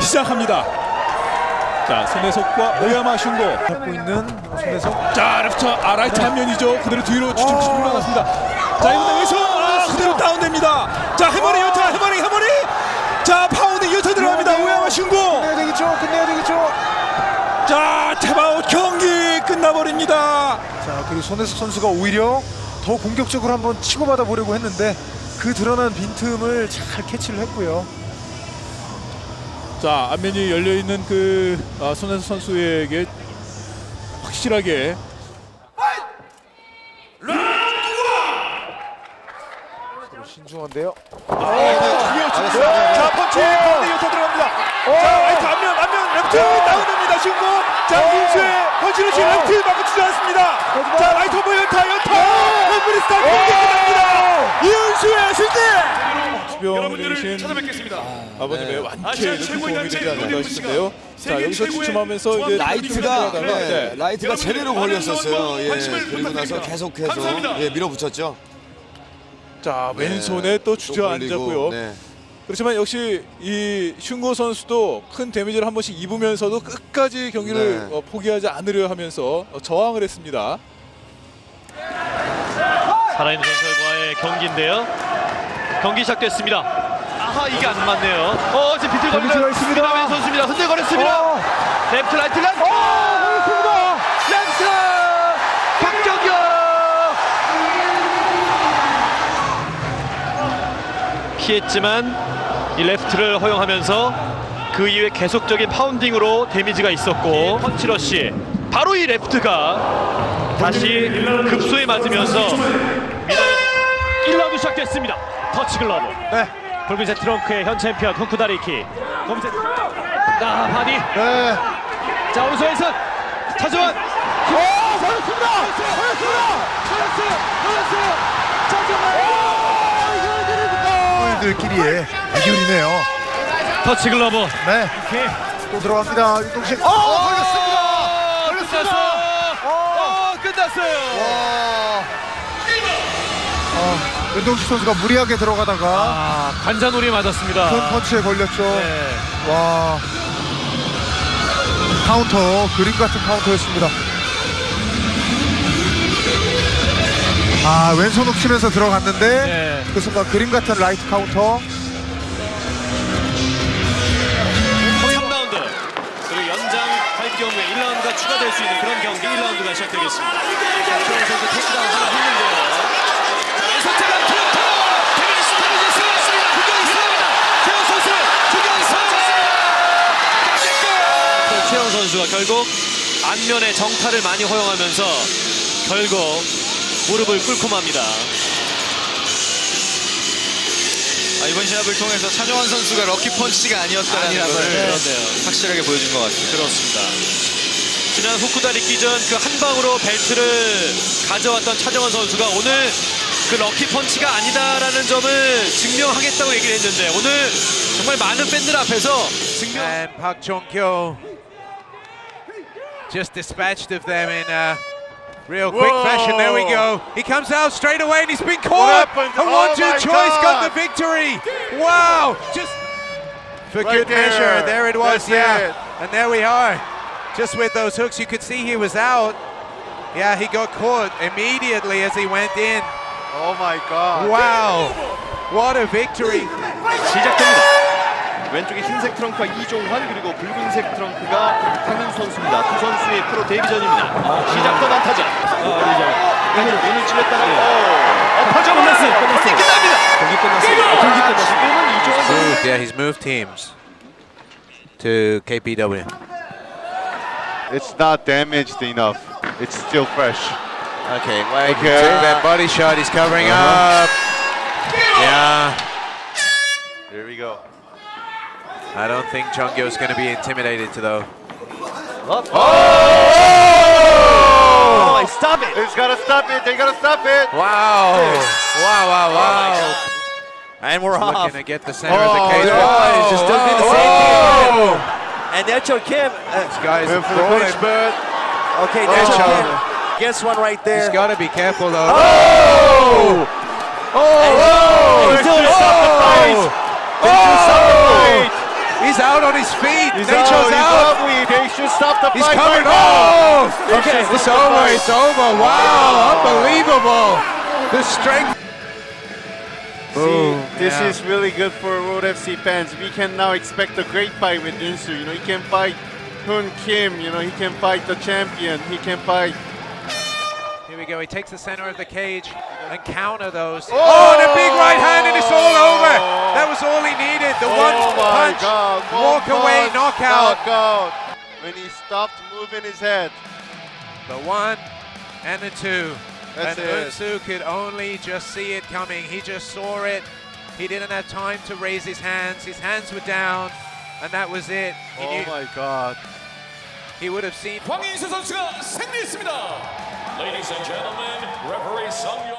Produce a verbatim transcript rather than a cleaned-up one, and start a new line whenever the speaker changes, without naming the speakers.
시작합니다. 자, 손혜석과 오야마 슌고
잡고 있는 손혜석.
자, 레프트 아라이트 한 면이죠. 그대로 뒤로 추춤추춤 물러났습니다. 자, 이번에 왼손 아, 그대로 다운됩니다. 자, 해머링 연타, 해머링, 해머링. 자, 파운드 연타 들어갑니다. 오야마 슌고.
끝내야 되겠죠. 끝내야 되겠죠.
자, 탭아웃 경기 끝나버립니다.
자, 그리고 손혜석 선수가 오히려 더 공격적으로 한번 치고받아 보려고 했는데 그 드러난 빈틈을 잘 캐치를 했고요.
자, 앞면이 열려 있는 그 아, 손혜석 선수에게 확실하게
신중한데요.
자, 펀치 가운데 연타 들어갑니다. 자, 라이트 앞면, 앞면 레프트 다운됩니다. 슌고. 자, 김수의 펀치를 치 레프트 막아주지 않습니다. 자, 라이트 오버 연타, 연타. 홈브리스타 경기 끝납니다. 이윤수의 승리.
여러분들을 찾아뵙겠습니다.
아버님의
네.
완쾌에
아시아
큰
최고의
도움이
단체
되지 않을까
노리는
싶은데요.
시간.
자,
세계
여기서
최고의
주춤하면서 이제
조합
라이트가
네.
네,
네.
라이트가 제대로
많은
걸렸었어요.
응원,
예,
관심을
그리고 나서
부탁드립니다.
계속해서
감사합니다.
예, 밀어붙였죠.
자,
네,
왼손에 또 주저앉았고요.
네.
그렇지만 역시 이 슌고 선수도 큰 데미지를 한 번씩 입으면서도 끝까지 경기를
네.
어, 포기하지 않으려 하면서 어, 저항을 했습니다.
살아있는 전설과의 경기인데요. 경기 시작됐습니다. 아하, 이게 안 맞네요. 어, 이제 비틀거리는
데미지가 있습니다.
왼 선수입니다. 흔들거렸습니다.
어.
레프트 라이트 라이트.
그렇습니다.
레프트 박정경 피했지만 이 레프트를 허용하면서 그 이후에 계속적인 파운딩으로 데미지가 있었고 펀치러시 바로 이 레프트가 다시 급소에 맞으면서 일 라운드 시작됐습니다. 터치 글러브.
네.
붉은색 트렁크의 현 챔피언 후쿠다리키. 검색. 아, 바디.
네.
자, 오른손에서 차주원.
오, 걸렸습니다. 걸렸습니다.
걸렸어요. 걸렸어요. 잠깐만.
들끼리의 대결이네요.
터치 글러브.
네. 또 들어갑니다. 윤동식. 어, 걸렸습니다. 걸렸습니다.
어, 끝났어요.
와. 어, 윤동식 선수가 무리하게 들어가다가
아, 관자놀이 맞았습니다.
큰 펀치에 걸렸죠.
네.
와. 카운터, 그림 같은 카운터였습니다. 아, 왼손 훅 치면서 들어갔는데
네.
그 순간 그림 같은 라이트 카운터.
삼 라운드. 그리고 연장할 경우에 일 라운드가 추가될 수 있는 그런 경기 일 라운드가 시작되겠습니다. 최원 선수 테이크다운 하나 했는데요. 자, 왼손 태강 트로트! 데미지 스타일이 세웠습니다. 구경이 세웁니다. 최원 선수 구경이 세웠습니다. 최원 선수가 결국 안면에 정타를 많이 허용하면서 결국 무릎을 꿇고 맙니다.
아, 이번 시합을 통해서 차정원 선수가 럭키 펀치가 아니었다는 걸
그런데요.
확실하게 보여준 것 같습니다.
그렇습니다. 지난 후쿠다리키전 그 한 방으로 벨트를 가져왔던 차정원 선수가 오늘 그 럭키 펀치가 아니다라는 점을 증명하겠다고 얘기를 했는데 오늘 정말 많은 팬들 앞에서 증명.
And Park Chong-kyo just dispatched of them in a real quick
Whoa.
fashion. There we go. He comes out straight away and he's been caught.
happened?
A
Oh
one-two
my
choice got the
God.
victory. Wow. Just for
Right
good
there.
measure. There it was.
That's
yeah.
it.
And there we are. Just with those hooks, you could see he was out. Yeah, he got caught immediately as he went in.
Oh my God.
Wow. What a victory.
시작됩니다. 왼쪽에 흰색 트렁크가 이종환 그리고 붉은색 트렁크가 황윤 선수입니다. 두 선수의 프로 데뷔전입니다. 시작도 난타전. 오늘 찔렸다는 엎어져 끝났어요. 경기 끝납니다. 경기 끝났어요. 경기 끝났어요. 지금은 이종환 선수.
Moved, yeah, he's moved teams to K P W.
It's not damaged enough. It's still fresh.
Okay, wait,
Okay.
took that body shot, he's covering
Uh-huh.
up. Yeah,
Here we go.
I don't think Chongyo's going to be intimidated to though.
Oh, stop it.
He's gotta stop it. They gotta stop it.
Wow, wow, wow, wow.
And we're
Looking
off.
to get the center of the cage.
no.
Oh, he's just doing the
Oh.
same thing.
And Nacho Kim.
This guy's
Went for the
throwing.
clinch, but
Okay,
Oh.
Nacho Kim gets one right
He's
there.
got to be careful though.
Oh! Oh! He's doing stop the fight. He's doing stop the fight. He's
out on his feet.
He's
Nature's
out. He's
out.
out. We, they should stop the
He's
fight.
covered.
right now.
Oh! Okay, it's over. It's over. Wow, unbelievable. The strength. Boom.
This
Yeah.
is really good for Road F C fans. We can now expect a great fight with Insu. You know, he can fight Hun Kim. You know, he can fight the champion. He can fight.
Here we go. He takes the center of the cage and counter those. Oh, and a big right hand, and it's all over. That was all he needed. The one
Oh my
punch,
God! One
walk away,
punch,
knockout.
knockout. When he stopped moving his head.
The one and the two.
That's
and
it.
Unsu could only just see it coming. He just saw it. He didn't have time to raise his hands. His hands were down, and that was it. He
Oh
knew
my God!
he would have seen.
황인수 선수가 승리했습니다. Ladies and gentlemen, referee Sung